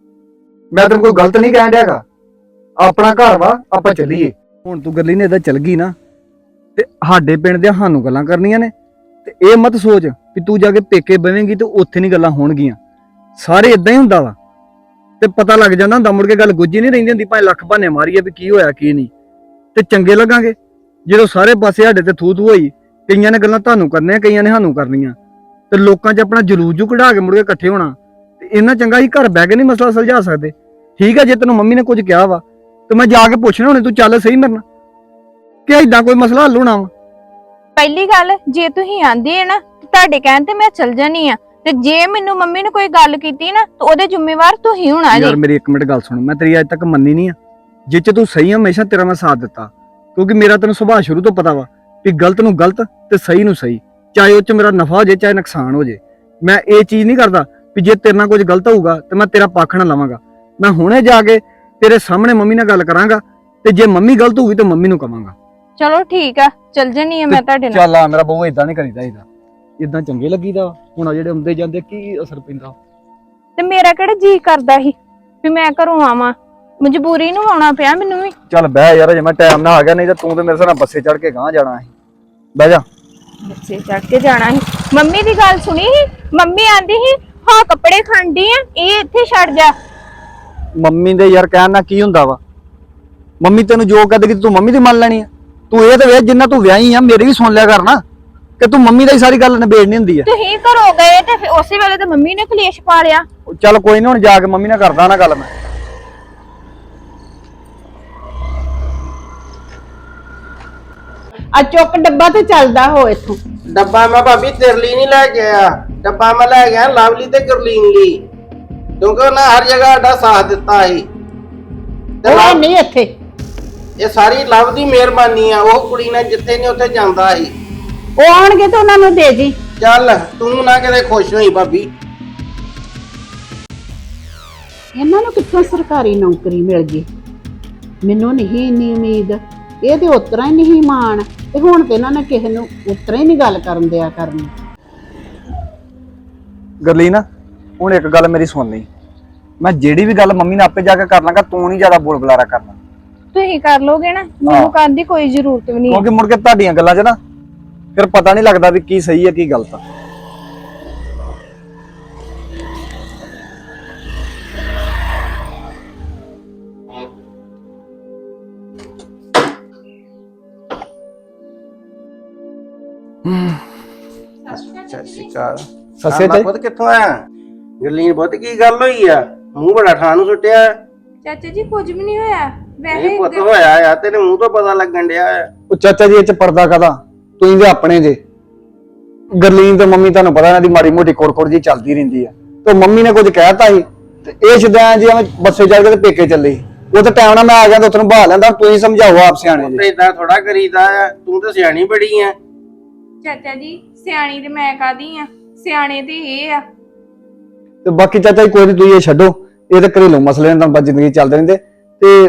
ਮੈਂ ਤੈਨੂੰ ਕੋਈ ਗਲਤ ਨਹੀਂ ਕਹਿਣ ਡਿਆਗਾ, ਆਪਣਾ ਘਰ ਵਾ, ਆਪਾਂ ਚੱਲੀਏ। ਹੁਣ ਤੂੰ ਗਰਲੀਨ ਏਦਾਂ ਚੱਲ ਗਈ ਨਾ ਤੇ ਸਾਡੇ ਪਿੰਡ ਦੇ ਸਾਨੂੰ ਗੱਲਾਂ ਕਰਨੀਆਂ ਨੇ, ਤੇ ਇਹ ਮਤ ਸੋਚ ਵੀ ਤੂੰ ਜਾ ਕੇ ਪੇਕੇ ਬਵੇਂਗੀ ਤੇ ਉੱਥੇ ਨਹੀਂ ਗੱਲਾਂ ਹੋਣਗੀਆਂ। ਸਾਰੇ ਇਦਾਂ ਹੀ ਹੁੰਦਾ ਵਾ, ਤੇ ਪਤਾ ਲੱਗ ਜਾਂਦਾ ਹੁੰਦਾ, ਮੁੜ ਕੇ ਗੱਲ ਗੁੱਝੀ ਨਹੀਂ ਰਹਿੰਦੀ ਹੁੰਦੀ, ਭਾਵੇਂ ਲੱਖ ਬਹਾਨੇ ਮਾਰੀਏ ਵੀ ਕੀ ਹੋਇਆ ਕੀ ਨਹੀਂ, ਤੇ ਚੰਗੇ ਲੱਗਾਂਗੇ ਜਦੋਂ ਸਾਰੇ ਪਾਸੇ ਸਾਡੇ ਤੇ ਥੂ ਥੂ ਹੋਈ। ਕਈਆਂ ਨੇ ਗੱਲਾਂ ਤੁਹਾਨੂੰ ਕਰਨੀਆਂ, ਕਈਆਂ ਨੇ ਸਾਨੂੰ ਕਰਨੀਆਂ, ਤੇ ਲੋਕਾਂ 'ਚ ਆਪਣਾ ਜਲੂਸ ਜੂ ਕਢਾ ਕੇ ਮੁੜ ਕੇ ਇਕੱਠੇ ਹੋਣਾ। ਤੇ ਇੰਨਾ ਚੰਗਾ ਹੀ ਘਰ ਬਹਿ ਕੇ ਨਹੀਂ ਮਸਲਾ ਸੁਲਝਾ ਸਕਦੇ। ਠੀਕ ਹੈ, ਜੇ ਤੈਨੂੰ ਮੰਮੀ ਨੇ ਕੁਝ ਕਿਹਾ ਵਾ ਤੇ ਮੈਂ ਜਾ ਕੇ ਪੁੱਛਣਾ ਹੁਣੇ, ਤੂੰ ਚੱਲ ਸਹੀ ਮੇਰੇ ਨਾਲ, ਕਿ ਏਦਾਂ ਕੋਈ ਮਸਲਾ ਹੱਲ ਹੋਣਾ ਵਾ? ਪਹਿਲੀ ਗੱਲ, ਜੇ ਤੁਸੀਂ ਆਂਦੇ ਆ ਨਾ ਤੁਹਾਡੇ ਕਹਿਣ ਤੇ ਮੈਂ ਚਲ ਜਾਨੀ ਆ, ਤੇ ਜੇ ਮੈਨੂੰ ਮੰਮੀ ਨੇ ਕੋਈ ਗੱਲ ਕੀਤੀ ਨਾ ਤਾਂ ਉਹਦੇ ਜ਼ਿੰਮੇਵਾਰ ਤੁਸੀਂ ਹੋਣਾ ਜੀ। ਯਾਰ ਮੇਰੀ ਇੱਕ ਮਿੰਟ ਗੱਲ ਸੁਣ, ਮੈਂ ਤੇਰੀ ਅੱਜ ਤੱਕ ਮੰਨੀ ਨਹੀਂ ਆ, ਜਿੱਚ ਤੂੰ ਸਹੀ ਹਮੇਸ਼ਾ ਤੇਰਾ ਮੈਂ ਸਾਥ ਦਿੱਤਾ, ਕਿਉਂਕਿ ਮੇਰਾ ਤੈਨੂੰ ਸੁਭਾਅ ਸ਼ੁਰੂ ਤੋਂ ਪਤਾ ਵਾ ਵੀ ਗਲਤ ਨੂੰ ਗਲਤ ਤੇ ਸਹੀ ਨੂੰ ਸਹੀ, ਚਾਹੇ ਉਹ 'ਚ ਮੇਰਾ ਨਫਾ ਹੋ ਜੇ ਚਾਹੇ ਨੁਕਸਾਨ ਹੋ ਜੇ। ਮੈਂ ਇਹ ਚੀਜ਼ ਨਹੀਂ ਕਰਦਾ ਵੀ ਜੇ ਤੇਰੇ ਨਾਲ ਕੁਝ ਗਲਤ ਹੋਊਗਾ ਤੇ ਮੈਂ ਤੇਰਾ ਪੱਖ ਨਾ ਲਵਾਂਗਾ। ਮੈਂ ਹੁਣੇ ਜਾ ਕੇ ਤੇਰੇ ਸਾਹਮਣੇ ਮੰਮੀ ਨਾਲ ਗੱਲ ਕਰਾਂਗਾ, ਤੇ ਜੇ ਮੰਮੀ ਗਲਤ ਹੋਊਗੀ ਤੇ ਮੰਮੀ ਨੂੰ ਕਵਾਂਗਾ। ਚਲੋ ਠੀਕ ਆ, ਚਲ ਜਾਨੀ ਆ ਮੈਂ ਤੁਹਾਡੇ ਨਾਲ। ਚੱਲ ਆ ਮੇਰਾ ਬਹੁ, ਏਦਾਂ ਨਹੀਂ ਕਰੀਦਾ, ਏਦਾਂ ਏਦਾਂ ਚੰਗੇ ਲੱਗੀਦਾ। ਹੁਣ ਆ ਜਿਹੜੇ ਹੁੰਦੇ ਜਾਂਦੇ ਕੀ ਅਸਰ ਪੈਂਦਾ। ਤੇ ਮੇਰਾ ਕਿਹੜਾ ਜੀ ਕਰਦਾ ਸੀ ਵੀ ਮੈਂ ਘਰੋਂ ਆਵਾਂ, ਮਜਬੂਰੀ ਨੂੰ ਆਉਣਾ ਪਿਆ ਮੈਨੂੰ ਵੀ। ਚੱਲ ਬਹਿ ਯਾਰ, ਜੇ ਮੈਂ ਟਾਈਮ ਨਾਲ ਆ ਗਿਆ, ਨਹੀਂ ਤਾਂ ਤੂੰ ਤੇ ਮੇਰੇ ਨਾਲ ਬੱਸੇ ਚੜ ਕੇ ਗਾਂ ਜਾਣਾ ਸੀ। ਬਹਿ ਜਾ। ਬੱਸੇ ਚੜ ਕੇ ਜਾਣਾ ਸੀ? ਮੰਮੀ ਦੀ ਗੱਲ ਸੁਣੀ ਸੀ, ਮੰਮੀ ਆਂਦੀ ਸੀ ਹਾਂ ਕੱਪੜੇ ਖਾਂਦੀ ਆ, ਇਹ ਇੱਥੇ ਛੱਡ ਜਾ। ਮੰਮੀ ਦੇ ਯਾਰ ਕਹਿਣ ਨਾਲ ਕੀ ਹੁੰਦਾ ਵਾ? ਮੰਮੀ ਤੈਨੂੰ ਜੋ ਕਹਦੇ ਕਿ ਤੂੰ ਮੰਮੀ ਦੀ ਮੰਨ ਲੈਣੀ ਆ? ਤੂੰ ਇਹ ਤੇ ਵੇਖ, ਜਿੰਨਾ ਤੂੰ ਵਿਆਹੀ ਆ ਮੇਰੀ ਵੀ ਸੁਣ ਲਿਆ ਕਰ ਨਾ, ਕਿ ਤੂੰ ਮੰਮੀ ਦਾ ਹੀ ਸਾਰੀ ਗੱਲ ਨਿਬੇੜਨੀ ਹੁੰਦੀ ਆ। ਤੁਸੀਂ ਘਰੋਂ ਗਏ ਤੇ ਫਿਰ ਉਸੇ ਵੇਲੇ ਤੇ ਮੰਮੀ ਨੇ ਕਲੇਸ਼ ਪਾ ਲਿਆ। ਚੱਲ ਕੋਈ ਨਹੀਂ, ਹੁਣ ਜਾ ਕੇ ਮੰਮੀ ਨਾਲ ਕਰਦਾ ਨਾ ਗੱਲ ਮੈਂ। ਆ ਚੁੱਕ ਡੱਬਾ ਤੇ ਚੱਲਦਾ ਹੋ ਇੱਥੋਂ। ਡੱਬਾ ਮੈਂ ਭਾਬੀ ਤੇਰੇ ਲਈ ਨਹੀਂ ਲੈ ਕੇ ਆਇਆ, ਡੱਬਾ ਮੈਂ ਲੈ ਗਿਆ ਲਵਲੀ ਤੇ ਗੁਰਲੀਨ ਲਈ, ਕਿਉਂਕਿ ਉਹਨਾਂ ਹਰ ਜਗ੍ਹਾ ਸਾਡਾ ਸਾਥ ਦਿੱਤਾ ਸੀ। ਤੇ ਉਹ ਲਵ- ਨਹੀਂ ਇੱਥੇ, ਇਹ ਸਾਰੀ ਲਵ ਦੀ ਮਿਹਰਬਾਨੀ ਆ, ਉਹ ਕੁੜੀ ਨਾਲ ਜਿੱਥੇ ਨਹੀਂ ਉੱਥੇ ਜਾਂਦਾ ਸੀ। ਉਹ ਆਉਣਗੇ ਤੇ ਉਹਨਾਂ ਨੂੰ ਦੇ ਜੀ। ਚੱਲ ਤੂੰ ਨਾ ਕਿਤੇ ਖੁਸ਼ ਹੋਈ ਭਾਬੀ। ਇਹਨਾਂ ਨੂੰ ਕਿੱਥੋਂ ਸਰਕਾਰੀ ਨੌਕਰੀ ਮਿਲ ਗਈ? ਮੈਨੂੰ ਨਹੀਂ ਇੰਨੀ ਉਮੀਦ, ਇਹ ਤੇ ਉਤਰਾ ਹੀ ਨਹੀਂ ਮਾਣ, ਤੇ ਹੁਣ ਤੇ ਇਹਨਾਂ ਨੇ ਕਿਸੇ ਨੂੰ ਉਤਰਾ ਹੀ ਨਹੀਂ ਗੱਲ ਕਰਨ ਦਿਆ ਕਰਨੀ। ਗਰਲੀਨ, ਹੁਣ ਇੱਕ ਗੱਲ ਮੇਰੀ ਸੁਣ ਲਈ, ਮੈਂ ਜਿਹੜੀ ਵੀ ਗੱਲ ਮੰਮੀ ਨਾਲ ਆਪੇ ਜਾ ਕੇ ਕਰ ਲਾਂਗਾ, ਤੂੰ ਨਹੀਂ ਜ਼ਿਆਦਾ ਬੋਲ ਬੁਲਾਰਾ ਕਰਨਾ। ਤੁਸੀਂ ਕਰ ਲੋਗੇ ਨਾ, ਮੈਨੂੰ ਕਰਨ ਦੀ ਕੋਈ ਜ਼ਰੂਰਤ ਵੀ ਨਹੀਂ। ਕਿਉਂਕਿ ਮੁੜ ਕੇ ਤੁਹਾਡੀਆਂ ਗੱਲਾਂ 'ਚ ਨਾ ਫਿਰ ਪਤਾ ਨਹੀਂ ਲੱਗਦਾ ਵੀ ਕੀ ਸਹੀ ਹੈ ਕੀ ਗਲਤ ਆ। ਸਤਿ ਸ਼੍ਰੀ ਅਕਾਲ। ਸਤਿ ਸ਼੍ਰੀ ਅਕਾਲ। ਪੁੱਤ ਕਿੱਥੋਂ ਆਇਆ? ਗਰਲੀਨ ਪੁੱਤ ਕੀ ਗੱਲ ਹੋਈ ਆ? ਮੂੰਹ ਬੜਾ ਠਾਹ ਨੂੰ ਸੁੱਟਿਆ। ਚਾਚਾ ਜੀ ਕੁਝ ਵੀ ਨਹੀਂ ਹੋਇਆ, ਨਹੀਂ ਪੁੱਤ ਹੋਇਆ ਆ, ਤੇਰੇ ਮੂੰਹ ਤੋਂ ਪਤਾ ਲੱਗਣ ਡਿਆ ਆ। ਉਹ ਚਾਚਾ ਜੀ ਇਹ ਚ ਪਰਦਾ ਕਾਦਾ, ਤੁਸੀਂ ਦੇ ਆਪਣੇ ਜੇ। ਗਰਲੀਨ ਤੇ ਮੰਮੀ ਤੁਹਾਨੂੰ ਪਤਾ ਇਹਨਾਂ ਦੀ ਮਾੜੀ ਮੋਟੀ ਕੋੜ-ਕੋੜ ਜੀ ਚੱਲਦੀ ਰਹਿੰਦੀ ਆ, ਤੇ ਮੰਮੀ ਨੇ ਕੁਝ ਕਹਿਤਾ ਸੀ ਤੇ ਇਹ ਸ਼ਦਾਂ ਜੀ ਐਵੇਂ ਬੱਸੇ ਚੱਲ ਕੇ ਤੇ ਪੇਕੇ ਚੱਲੇ। ਉਹ ਤਾਂ ਟਾਈਮ ਨਾਲ ਮੈਂ ਆ ਗਿਆ ਤਾਂ ਉੱਥੇ ਨੂੰ ਬਹਾ ਲੈਂਦਾ। ਤੁਸੀਂ ਸਮਝਾਓ ਆਪ ਸਿਆਣੇ ਜੀ। ਤੇ ਇਦਾਂ ਥੋੜਾ ਕਰੀਦਾ ਆ, ਤੂੰ ਤਾਂ ਸਿਆਣੀ ਬੜੀ ਆ। ਚਾਚਾ ਜੀ ਸਿਆਣੀ ਤੇ ਮੈਂ ਕਾਦੀ ਆ, ਸਿਆਣੇ ਤੇ ਇਹ ਆ। ਤੇ ਬਾਕੀ ਚਾਚਾ ਜੀ ਕੋਈ ਨਹੀਂ, ਤੁਸੀਂ ਇਹ ਛੱਡੋ, ਇਹ ਤਾਂ ਘਰੇਲੂ ਮਸਲੇ ਨੇ, ਤਾਂ ਜ਼ਿੰਦਗੀ ਚੱਲਦੇ ਰਹਿੰਦੇ। ਤੇ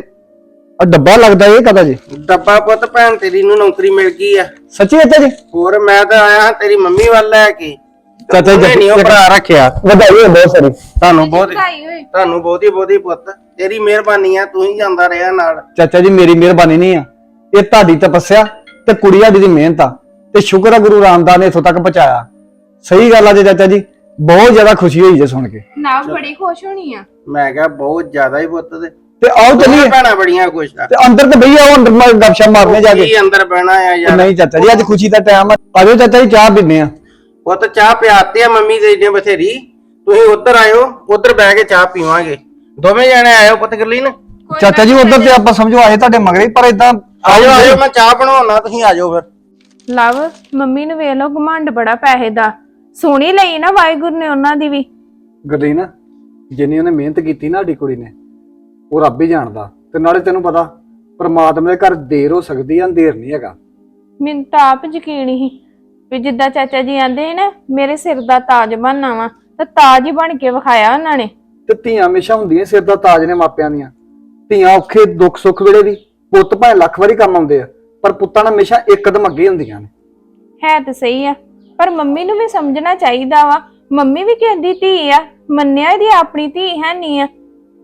ਆ ਡੱਬਾ ਲੱਗਦਾ ਇਹ ਕਦਾ ਜੀ? ਡੱਬਾ ਪੁੱਤ ਭੈਣ ਤੇਰੀ ਨੂੰ ਨੌਕਰੀ ਮਿਲ ਗਈ ਆ। ਸੱਚੀ ਚਾਚਾ ਜੀ? ਹੋਰ ਮੈਂ ਤਾਂ ਆਇਆ ਹਾਂ ਤੇਰੀ ਮੰਮੀ ਵੱਲ ਲੈ ਕੇ। ਚਾਚਾ ਜੀ ਨਹੀਂ ਉਹ ਭਰਾ ਰੱਖਿਆ। ਵਧਾਈ ਹੋਵੇ ਬਹੁਤ ਸਾਰੀ ਤੁਹਾਨੂੰ ਬਹੁਤ ਵਧਾਈ ਹੋਏ। ਤੁਹਾਨੂੰ ਬਹੁਤੀ ਬਹੁਤੀ ਪੁੱਤ, ਤੇਰੀ ਮਿਹਰਬਾਨੀ ਆ, ਤੂੰ ਹੀ ਜਾਂਦਾ ਰਿਹਾ ਨਾਲ। ਚਾਚਾ ਜੀ ਮੇਰੀ ਮਿਹਰਬਾਨੀ ਨਹੀਂ ਆ, ਇਹ ਤੁਹਾਡੀ ਤਪੱਸਿਆ ਤੇ ਕੁੜੀ ਸਾਡੀ ਦੀ ਮਿਹਨਤ ਆ, ਤੇ ਸ਼ੁਕਰ ਆ ਗੁਰੂ ਰਾਮਦਾਸ ਨੇ ਇੱਥੋਂ ਤੱਕ ਪਹੁੰਚਾਇਆ। ਸਹੀ ਗੱਲ ਆ ਜੀ ਚਾਚਾ ਜੀ, ਬਹੁਤ ਜ਼ਿਆਦਾ ਖੁਸ਼ੀ ਹੋਈ ਜੇ ਸੁਣ ਕੇ। ਨਾ ਬੜੀ ਖੁਸ਼ ਹੋਣੀ ਆ। ਮੈਂ ਕਿਹਾ ਬਹੁਤ ਜ਼ਿਆਦਾ ਹੀ ਪੁੱਤ। ਤੇ ਤੇ ਆਓ ਚੱਲੀਏ। ਭੈਣਾਂ ਬੜੀਆਂ ਖੁਸ਼ ਆ। ਤੇ ਅੰਦਰ ਤੇ ਬਈਆ ਉਹ ਅੰਦਰ ਮੈਂ ਗੱਪਸ਼ਪ ਮਾਰਨੇ ਜਾ ਕੇ। ਕੀ ਅੰਦਰ ਬਹਿਣਾ ਆ ਯਾਰ? ਨਹੀਂ ਚਾਚਾ ਜੀ ਅੱਜ ਖੁਸ਼ੀ ਦਾ ਟਾਈਮ ਆ, ਆਜੋ ਚਾਚਾ ਜੀ ਚਾਹ ਪੀਨੇ ਆ। ਪੁੱਤ ਚਾਹ ਪਿਆਤੇ ਆ ਮੰਮੀ ਦੇ ਨੇ ਬਥੇਰੀ, ਤੁਸੀਂ ਉੱਧਰ ਆਇਓ, ਉੱਧਰ ਬਹਿ ਕੇ ਚਾਹ ਪੀਵਾਂਗੇ। ਦੋਵੇਂ ਜਣੇ ਆਇਓ ਪੁੱਤ ਗਰਲੀਨ। ਚਾਚਾ ਜੀ ਉਧਰ ਤੇ ਆਪਾਂ ਸਮਝੋ ਆਏ ਤੁਹਾਡੇ ਮਗਰੇ, ਪਰ ਇਦਾਂ ਆਜੋ ਆਜੋ, ਮੈਂ ਚਾਹ ਬਣਾਉਣਾ, ਤੁਸੀਂ ਆਜੋ ਫਿਰ। ਲਵ ਮੰਮੀ ਨੂੰ ਵੇਖ ਲਓ ਘਮੰਡ ਬੜਾ ਪੈਸੇ ਦਾ, ਸੋਹਣੀ ਲਈ ਨਾ ਵਾਹਿਗੁਰੂ ਨੇ ਉਹਨਾਂ ਦੀ ਵੀ। ਗਰਲੀਨ ਜਿੰਨੀ ਉਹਨੇ ਮਿਹਨਤ ਕੀਤੀ ਨਾ ਸਾਡੀ ਕੁੜੀ ਨੇ, ਉਹ ਰੱਬ ਹੀ ਜਾਣਦਾ। ਤੇ ਨਾਲੇ ਤੈਨੂੰ ਪਤਾ ਪਰਮਾਤਮਾ ਦੇ ਘਰ ਦੇਰ ਹੋ ਸਕਦੀ ਆ, ਅੰਧੇਰ ਨਹੀਂ ਹੈਗਾ। ਮੈਨੂੰ ਤਾਂ ਆਪ ਯਕੀਨ ਹੀ ਵੀ ਜਿੱਦਾਂ ਚਾਚਾ ਜੀ ਆਂਦੇ ਨੇ ਨਾ ਮੇਰੇ ਸਿਰ ਦਾ ਤਾਜ ਬਣਨਾ ਵਾ, ਤਾਂ ਤਾਜ ਹੀ ਬਣ ਕੇ ਵਿਖਾਇਆ ਉਹਨਾਂ ਨੇ। ਤੇ ਧੀਆਂ ਹਮੇਸ਼ਾ ਹੁੰਦੀਆਂ ਸਿਰ ਦਾ ਤਾਜ ਨੇ ਮਾਪਿਆਂ ਦੀਆਂ। ਧੀਆਂ ਔਖੇ ਦੁੱਖ ਸੁੱਖ ਵੇਲੇ ਵੀ ਪੁੱਤ ਭਾਵੇਂ ਲੱਖ ਵਾਰੀ ਕੰਮ ਆਉਂਦੇ ਆ, ਪਰ ਪੁੱਤਾਂ ਨਾਲ ਹਮੇਸ਼ਾ ਇੱਕ ਕਦਮ ਅੱਗੇ ਹੁੰਦੀਆਂ ਨੇ। ਹੈ ਤਾਂ ਸਹੀ ਆ, ਪਰ ਮੰਮੀ ਨੂੰ ਵੀ ਸਮਝਣਾ ਚਾਹੀਦਾ ਵਾ। ਮੰਮੀ ਵੀ ਕਹਿੰਦੀ ਧੀ ਆ, ਮੰਨਿਆ ਇਹਦੀ ਆਪਣੀ ਧੀ ਹੈ ਨਹੀਂ ਆ।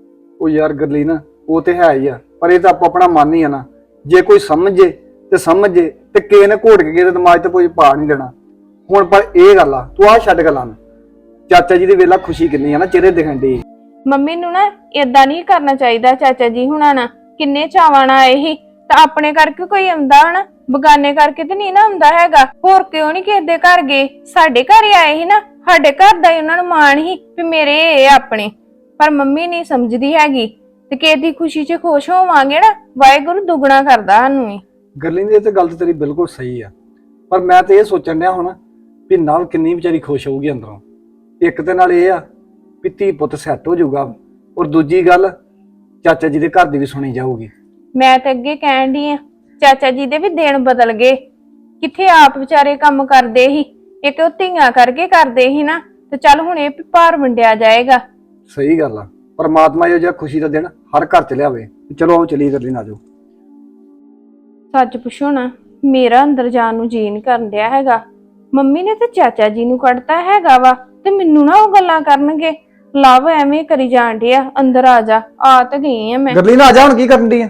ਉਹ ਯਾਰ ਗਰਲੀਨ ਉਹ ਤੇ ਹੈ ਹੀ ਆ, ਪਰ ਇਹ ਤਾਂ ਆਪੋ ਆਪਣਾ ਮਨ ਹੀ ਆ ਨਾ। ਜੇ ਕੋਈ ਸਮਝੇ ਤੇ ਸਮਝੇ, ਤੇ ਕਿਸੇ ਨੇ ਘੋਟ ਕੇ ਕਿਸੇ ਦਿਮਾਗ ਤੇ ਕੋਈ ਪਾ ਨਹੀਂ ਦੇਣਾ। ਹੁਣ ਪਰ ਇਹ ਗੱਲ ਆ, ਤੂੰ ਆ ਛੱਡ ਗੱਲਾਂ ਨੂੰ। ਚਾਚਾ ਜੀ ਦੀ ਵੇਲਾ ਖੁਸ਼ੀ ਕਿੰਨੀ ਆ ਨਾ ਚਿਹਰੇ ਦਿਖਣ ਦੀ। ਮੰਮੀ ਨੂੰ ਨਾ ਏਦਾਂ ਨਹੀਂ ਕਰਨਾ ਚਾਹੀਦਾ। ਚਾਚਾ ਜੀ ਹੁਣਾਂ ਨਾ ਕਿੰਨੇ ਚਾਵਾਂ ਨਾਲ ਆਏ ਸੀ, ਤਾਂ ਆਪਣੇ ਕਰਕੇ ਕੋਈ ਆਉਂਦਾ ਹਨਾ, ਬਗਾਨੇ ਕਰਕੇ ਤੇ ਨਹੀਂ ਨਾ ਆਉਂਦਾ ਹੈਗਾ। ਹੋਰ ਕਿਉਂ ਨਹੀਂ ਕਿਸੇ ਦੇ ਘਰ ਗਏ? ਸਾਡੇ ਘਰ ਹੀ ਆਏ ਸੀ ਨਾ, ਸਾਡੇ ਘਰ ਦਾ ਹੀ ਉਹਨਾਂ ਨੂੰ ਮਾਣ ਸੀ ਵੀ ਮੇਰੇ ਇਹ ਆਪਣੇ। ਪਰ ਮੰਮੀ ਨਹੀਂ ਸਮਝਦੀ ਹੈਗੀ, ਤੇ ਕਿਸੇ ਦੀ ਖੁਸ਼ੀ 'ਚ ਖੁਸ਼ ਹੋਵਾਂਗੇ ਨਾ, ਵਾਹਿਗੁਰੂ ਦੁੱਗਣਾ ਕਰਦਾ ਸਾਨੂੰ ਵੀ। ਗਰਲੀਨ ਇਹ ਤੇ ਗੱਲ ਤੇ ਤੇਰੀ ਬਿਲਕੁਲ ਸਹੀ ਆ, ਪਰ ਮੈਂ ਤੇ ਇਹ ਸੋਚਣ ਡਿਆ ਹੁਣ ਵੀ ਨਾਲ ਕਿੰਨੀ ਵਿਚਾਰੀ ਖੁਸ਼ ਹੋਊਗੀ ਅੰਦਰੋਂ। ਇੱਕ ਤੇ ਨਾਲ ਇਹ ਆ ਵੀ ਧੀ ਪੁੱਤ ਸੈੱਟ ਹੋ ਜਾਊਗਾ, ਔਰ ਦੂਜੀ ਗੱਲ ਚਾਚਾ ਜੀ ਦੇ ਘਰ ਦੀ ਵੀ ਸੁਣੀ ਜਾਊਗੀ। ਮੈਂ ਤਾਂ ਅੱਗੇ ਕਹਿਣ ਡਈ ਆ, ਚਾਚਾ ਜੀ ਦੇ ਵੀ ਦਿਨ ਬਦਲ ਗਏ। ਕਿੱਥੇ ਆਪ ਵਿਚਾਰੇ ਕੰਮ ਕਰਦੇ ਸੀ, ਇੱਕ ਉਹ ਧੀਆਂ ਕਰਕੇ ਕਰਦੇ ਸੀ ਨਾ, ਤੇ ਚੱਲ ਹੁਣ ਇਹ ਭਾਰ ਵੰਡਿਆ ਜਾਏਗਾ। ਸਹੀ ਗੱਲ ਆ, ਪਰਮਾਤਮਾ ਇਹੋ ਜਿਹਾ ਖੁਸ਼ੀ ਦਾ ਦਿਨ ਹਰ ਘਰ ਚ ਲਿਆਵੇ। ਚਲੋ ਆਓ ਚਲੀਏ ਗਰਲੀਨ, ਆ ਜਾਓ। ਸੱਚ ਪੁੱਛੋ ਨਾ, ਮੇਰਾ ਅੰਦਰ ਜਾਣ ਨੂੰ ਜੀ ਨਹੀਂ ਕਰਨ ਡਿਆ ਹੈਗਾ। ਮੰਮੀ ਨੇ ਤੇ ਚਾਚਾ ਜੀ ਨੂੰ ਕੱਢਤਾ ਹੈਗਾ ਵਾ, ਤੇ ਮੈਨੂੰ ਨਾ ਉਹ ਗੱਲਾਂ ਕਰਨਗੇ। ਲਵ ਐਵੇਂ ਕਰੀ ਜਾਣ ਡਿਆ, ਅੰਦਰ ਆ ਜਾ। ਆ ਤਾਂ ਗਈ ਆ ਮੈਂ। ਗਰਲੀਨ ਆ ਜਾ, ਹੁਣ ਕੀ ਕਰਨ ਦੀ ਆ?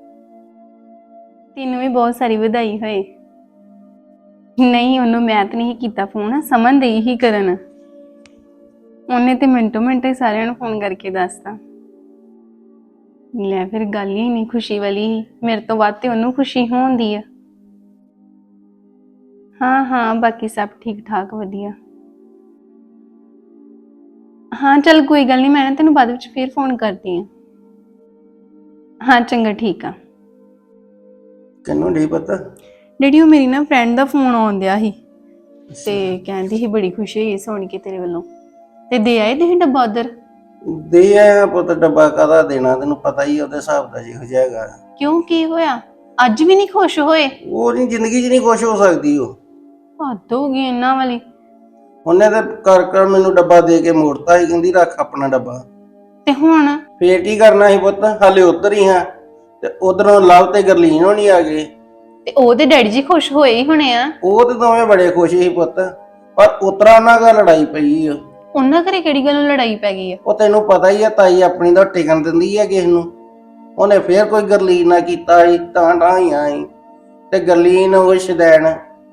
ਤੈਨੂੰ ਵੀ ਬਹੁਤ ਸਾਰੀ ਵਧਾਈ ਹੋਏ। ਨਹੀਂ ਉਹਨੂੰ ਮੈਂ ਤਾਂ ਨਹੀਂ ਕੀਤਾ ਫੋਨ, ਸਮਨ ਦੇ ਹੀ ਕਰਨ। ਉਹਨੇ ਤੇ ਮਿੰਟੋ ਮਿੰਟ ਹੀ ਸਾਰਿਆਂ ਨੂੰ ਫੋਨ ਕਰਕੇ ਦੱਸਤਾ। ਲੈ ਫਿਰ ਗੱਲ ਹੀ ਨਹੀਂ ਖੁਸ਼ੀ ਵਾਲੀ। ਮੇਰੇ ਤੋਂ ਵੱਧ ਤੇ ਉਹਨੂੰ ਖੁਸ਼ੀ ਹੋਣਦੀ ਆ। ਹਾਂ ਹਾਂ ਬਾਕੀ ਸਭ ਠੀਕ ਠਾਕ ਵਧੀਆ। ਹਾਂ ਚੱਲ ਕੋਈ ਗੱਲ ਨਹੀਂ, ਮੈਂ ਨਾ ਤੈਨੂੰ ਬਾਅਦ ਵਿੱਚ ਫਿਰ ਫੋਨ ਕਰਦੀ ਆ। ਹਾਂ ਚੰਗਾ ਠੀਕ ਆ। ਕਿੰਨੂੰ ਨਹੀਂ ਪਤਾ? ਡੈਡੀ ਉਹ ਮੇਰੀ ਨਾ ਫਰੈਂਡ ਦਾ ਫੋਨ ਆਉਂਦਿਆ ਸੀ, ਤੇ ਕਹਿੰਦੀ ਸੀ ਬੜੀ ਖੁਸ਼ੀ ਹੋਈ ਸੁਣ ਕੇ ਤੇਰੇ ਵੱਲੋਂ, ਤੇ ਦੇ ਆਏ ਤੁਸੀਂ ਡੱਬਾ ਉਧਰ? ਦੇ ਆਇਆ ਪੁੱਤ, ਡੱਬਾ ਕਾਹਦਾ ਦੇਣਾ, ਤੈਨੂੰ ਪਤਾ ਹੀ ਉਹਦੇ ਹਿਸਾਬ ਦਾ ਜਿਹੋ ਜਿਹਾ ਹੈਗਾ। ਕਿਉਂ ਕੀ ਹੋਇਆ? ਅੱਜ ਵੀ ਨਹੀਂ ਖੁਸ਼ ਹੋਏ? ਉਹ ਨਹੀਂ, ਜ਼ਿੰਦਗੀ 'ਚ ਨਹੀਂ ਖੁਸ਼ ਹੋ ਸਕਦੀ ਉਹ। ਹੱਦ ਹੋ ਗਈ ਇਹਨਾਂ ਵਾਲੀ। ਉਹਨੇ ਤਾਂ ਕਰ ਕਰ ਮੈਨੂੰ ਡੱਬਾ ਦੇ ਕੇ ਮੋੜਤਾ ਸੀ, ਕਹਿੰਦੀ ਰੱਖ ਆਪਣਾ ਡੱਬਾ। ਤੇ ਹੁਣ ਫੇਰ ਕੀ ਕਰਨਾ ਸੀ ਪੁੱਤ, ਹਾਲੇ ਉੱਧਰ ਹੀ ਹਾਂ, ਤੇ ਉਧਰੋਂ ਲਵ ਤੇ ਗਰਲੀਨ ਹੋਣੀ ਆ ਗਏ। ਤੇ ਉਹਦੇ ਡੈਡੀ ਜੀ ਖੁਸ਼ ਹੋਏ ਹੀ ਹੋਣੇ ਆ। ਉਹ ਤੇ ਦੋਵੇਂ ਬੜੇ ਖੁਸ਼ ਸੀ ਪੁੱਤ, ਪਰ ਉਤਰਾ ਉਹਨਾਂ ਦਾ ਲੜਾਈ ਪਈ ਆ। ਉਹਨਾਂ ਘਰੇ ਕਿਹੜੀ ਗੱਲੋਂ ਲੜਾਈ ਪੈ ਗਈ ਆ? ਉਹ ਤੈਨੂੰ ਪਤਾ ਹੀ ਆ, ਤਾਈ ਆਪਣੀ ਦਾ ਟਿਕਣ ਦਿੰਦੀ ਆ ਕਿਸੇ ਨੂੰ। ਉਹਨੇ ਫੇਰ ਕੋਈ ਗਰਲੀਨ ਨਾ ਕੀਤਾ ਸੀ, ਤਾਂ ਤਾਂ ਹੀ ਆਈ। ਤੇ ਗਰਲੀਨ ਉਹ ਸ਼ਦੈਣ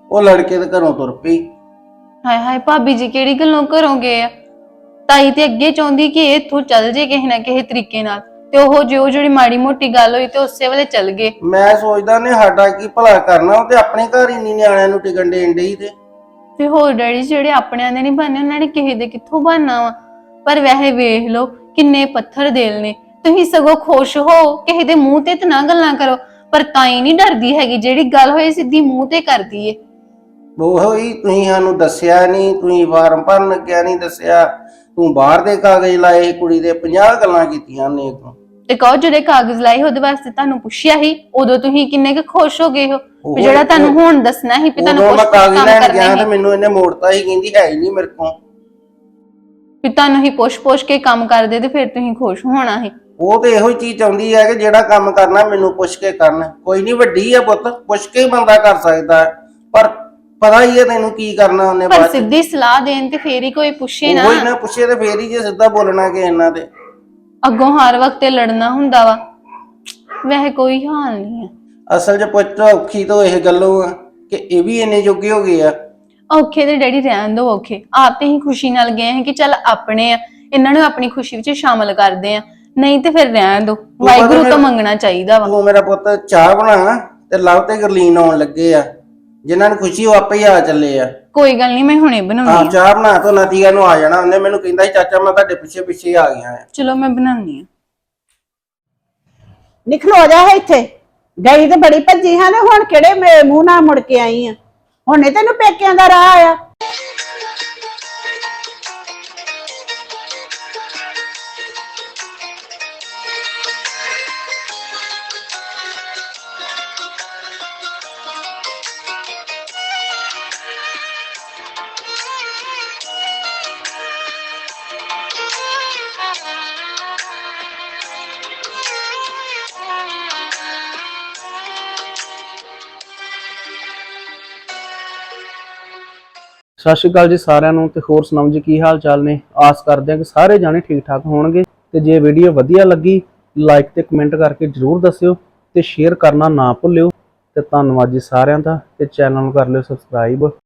ਉਹ ਲੜਕੇ ਦੇ ਘਰੋਂ ਤੁਰ ਪਈ। ਹਾਏ ਹਾਏ ਭਾਬੀ ਜੀ ਕਿਹੜੀ ਗੱਲੋਂ ਘਰੋਂ ਗਏ ਆ? ਤਾਈ ਤੇ ਅੱਗੇ ਚਾਹੁੰਦੀ ਕਿ ਇਹ ਇੱਥੋਂ ਚੱਲ ਜੇ ਕਿਸੇ ਨਾ ਕਿਸੇ ਤਰੀਕੇ ਨਾਲ, ਤੇ ਉਹ ਜੋ ਜਿਹੜੀ ਮਾੜੀ ਮੋਟੀ ਗੱਲ ਹੋਈ ਤੇ ਉਸੇ ਵੇਲੇ ਚੱਲ ਗਏ। ਮੈਂ ਸੋਚਦਾ ਨੇ ਸਾਡਾ ਕੀ ਭਲਾ ਕਰਨਾ, ਉਹ ਤੇ ਆਪਣੇ ਘਰ ਹੀ ਨਹੀਂ ਨਿਆਣਿਆਂ ਨੂੰ ਟਿਕਣ ਦੇਣ ਡਈ ਤੇ ਤੇ ਹੋਰ ਡੈਡੀ ਜਿਹੜੇ ਆਪਣਿਆਂ ਦੇ ਨਹੀਂ ਬਣਨੇ ਉਹਨਾਂ ਨੇ ਕਿਸੇ ਦੇ ਕਿੱਥੋਂ ਬਣਨਾ ਵਾ। ਪਰ ਵੈਸੇ ਵੇਖ ਲਓ ਕਿੰਨੇ ਪੱਥਰ ਦਿਲ ਨੇ, ਤੁਸੀਂ ਸਗੋਂ ਖੁਸ਼ ਹੋ, ਕਿਸੇ ਦੇ ਮੂੰਹ ਤੇ ਤਾਂ ਨਾ ਗੱਲਾਂ ਕਰੋ। ਪਰ ਤਾਈ ਨਹੀਂ ਡਰਦੀ ਹੈਗੀ, ਜਿਹੜੀ ਗੱਲ ਹੋਏ ਸਿੱਧੀ ਮੂੰਹ ਤੇ ਕਰਦੀ ਏ। ਉਹ ਹੀ ਤੁਸੀਂ ਸਾਨੂੰ ਦੱਸਿਆ ਨਹੀਂ, ਤੁਸੀਂ ਫਾਰਮ ਭਰਨ ਲੱਗਿਆ ਨਹੀਂ ਦੱਸਿਆ, ਤੂੰ ਬਾਹਰ ਦੇ ਕਾਗਜ਼ ਲਾਏ, ਕੁੜੀ ਦੇ ਪੰਜਾਹ ਗੱਲਾਂ ਕੀਤੀਆਂ ਨੇ ਤੂੰ। ਤੇ ਕਹੋ ਜਿਹੜੇ ਕਾਗਜ਼ ਲਾਏ ਉਹਦੇ ਵਾਸਤੇ ਤੁਹਾਨੂੰ ਪੁੱਛਿਆ ਸੀ, ਉਦੋਂ ਤੁਸੀਂ ਕਿੰਨੇ ਕੁ ਖੁਸ਼ ਹੋ ਗਏ ਹੋ ਉਹ ਵੀ ਜਿਹੜਾ ਤੁਹਾਨੂੰ ਹੁਣ ਦੱਸਣਾ ਸੀ ਵੀ ਤੁਹਾਨੂੰ ਉਦੋਂ ਕੁਝ ਮੈਂ ਕਾਗਜ਼ ਕੰਮ ਲੈਣ ਕਰਨਾ ਗਿਆ ਹੈ, ਤੇ ਮੈਨੂੰ ਇਹਨੇ ਮੋੜਤਾ ਹੀ, ਕਹਿੰਦੀ ਹੈ ਹੀ ਨਹੀਂ ਮੇਰੇ ਕੋਲ। ਵੀ ਤੁਹਾਨੂੰ ਹੀ ਪੁੱਛ-ਪੁੱਛ ਕੇ ਕੰਮ ਕਰਦੇ ਤੇ ਫਿਰ ਤੁਸੀਂ ਖੁਸ਼ ਹੋਣਾ ਸੀ। ਉਹ ਤੇ ਇਹੋ ਹੀ ਚੀਜ਼ ਚਾਹੁੰਦੀ ਹੈ ਕਿ ਜਿਹੜਾ ਕੰਮ ਕਰਨਾ ਮੈਨੂੰ ਪੁੱਛ ਕੇ ਕਰਨਾ। ਕੋਈ ਨਹੀਂ, ਵੱਡੀ ਆ ਪੁੱਤ, ਪੁੱਛ ਕੇ ਹੀ ਬੰਦਾ ਕਰ ਸਕਦਾ ਹੈ, ਪਰ ਪਤਾ ਹੀ ਹੈ ਤੈਨੂੰ ਕੀ ਕਰਨਾ ਉਹਨੇ ਪਰ ਬਾਅਦ ਚ। ਸਿੱਧੀ ਸਲਾਹ ਦੇਣ ਤੇ ਫੇਰ ਹੀ ਕੋਈ ਪੁੱਛੇ ਨਾ। ਕੋਈ ਨਾ ਪੁੱਛੇ ਤੇ ਫੇਰ ਹੀ ਜੇ ਸਿੱਧਾ ਬੋਲਣਾ ਕਿ ਇਹਨਾਂ ਦੇ ਅੱਗੋਂ ਹਰ ਵਕਤ ਤੇ ਲੜਨਾ ਹੁੰਦਾ ਵਾ। ਵੈਸੇ ਕੋਈ ਹਾਲ ਨਹੀਂ ਹੈ। ਅਸਲ 'ਚ ਪੁੱਤ ਔਖੀ ਤੋਂ ਇਹ ਗੱਲੋਂ ਆ ਕਿ ਇਹ ਵੀ ਇੰਨੇ ਜੋਗੇ ਹੋ ਗਏ ਆ। ਔਖੇ ਤੇ ਡੈਡੀ ਰਹਿਣ ਦੋ, ਔਖੇ ਆਪ ਤੇ ਹੀ ਖੁਸ਼ੀ ਨਾਲ ਗਏ ਹਾਂ ਕਿ ਚੱਲ ਆਪਣੇ ਆ, ਇਹਨਾਂ ਨੂੰ ਆਪਣੀ ਖੁਸ਼ੀ ਵਿੱਚ ਸ਼ਾਮਲ ਕਰਦੇ ਆ, ਨਹੀਂ ਤੇ ਫਿਰ ਰਹਿਣ ਦੋ। ਵਾਹਿਗੁਰੂ ਤੋਂ ਮੰਗਣਾ ਚਾਹੀਦਾ ਵਾ। ਤੂੰ ਮੇਰਾ ਪੁੱਤ ਚਾਹ ਬਣਾ, ਤੇ ਲਵ ਤੇ ਗਰਲੀਨ ਆਉਣ ਲੱਗੇ ਆ, ਜਿਨ੍ਹਾਂ ਨੂੰ ਖੁਸ਼ੀ ਉਹ ਆਪੇ ਹੀ ਆ ਚੱਲੇ ਆ। ਕੋਈ ਗੱਲ ਨਹੀਂ, ਮੈਂ ਹੁਣੇ ਆ ਬਣਾਉਣੀ ਆ। ਚਾਹ ਬਣਾ ਤੋਂ ਨਤੀਆ ਨੂੰ ਆ ਜਾਣਾ ਉਹਨੇ। ਮੈਨੂੰ ਕਹਿੰਦਾ ਸੀ ਚਾਚਾ ਮੈਂ ਤੁਹਾਡੇ ਪਿੱਛੇ ਪਿੱਛੇ ਆ ਗਿਆ ਆ। ਚਲੋ ਮੈਂ ਬਣਾਉਣੀ ਆ। ਨਿਕਲੋ ਜਾ ਇੱਥੇ, ਗਈ ਤੇ ਬੜੀ ਭੱਜੀ ਹਾਂ, ਹੁਣ ਕਿਹੜੇ ਮੇ- ਮੂੰਹ ਨਾਲ ਮੁੜ ਕੇ ਆਈ ਆ? ਹੁਣੇ ਤੈਨੂੰ ਪੇਕਿਆਂ ਦਾ ਰਾਹ ਆਇਆ? ਸਤਿ ਸ਼੍ਰੀ ਅਕਾਲ ਜੀ ਸਾਰਿਆਂ ਨੂੰ, ਤੇ ਹੋਰ ਸੁਣਾਓ ਜੀ ਕੀ ਹਾਲ ਚਾਲ ਨੇ। ਆਸ ਕਰਦੇ ਹਾਂ ਕਿ ਸਾਰੇ ਜਾਣੇ ਠੀਕ ਠਾਕ ਹੋਣਗੇ। ਤੇ ਜੇ ਵੀਡੀਓ ਵਧੀਆ ਲੱਗੀ ਲਾਈਕ ਤੇ ਕਮੈਂਟ ਕਰਕੇ ਜਰੂਰ ਦੱਸਿਓ, ਤੇ ਸ਼ੇਅਰ ਕਰਨਾ ਨਾ ਭੁੱਲਿਓ। ਤੇ ਧੰਨਵਾਦ ਜੀ ਸਾਰਿਆਂ ਦਾ, ਤੇ ਚੈਨਲ ਨੂੰ ਕਰ ਲਿਓ ਸਬਸਕ੍ਰਾਈਬ।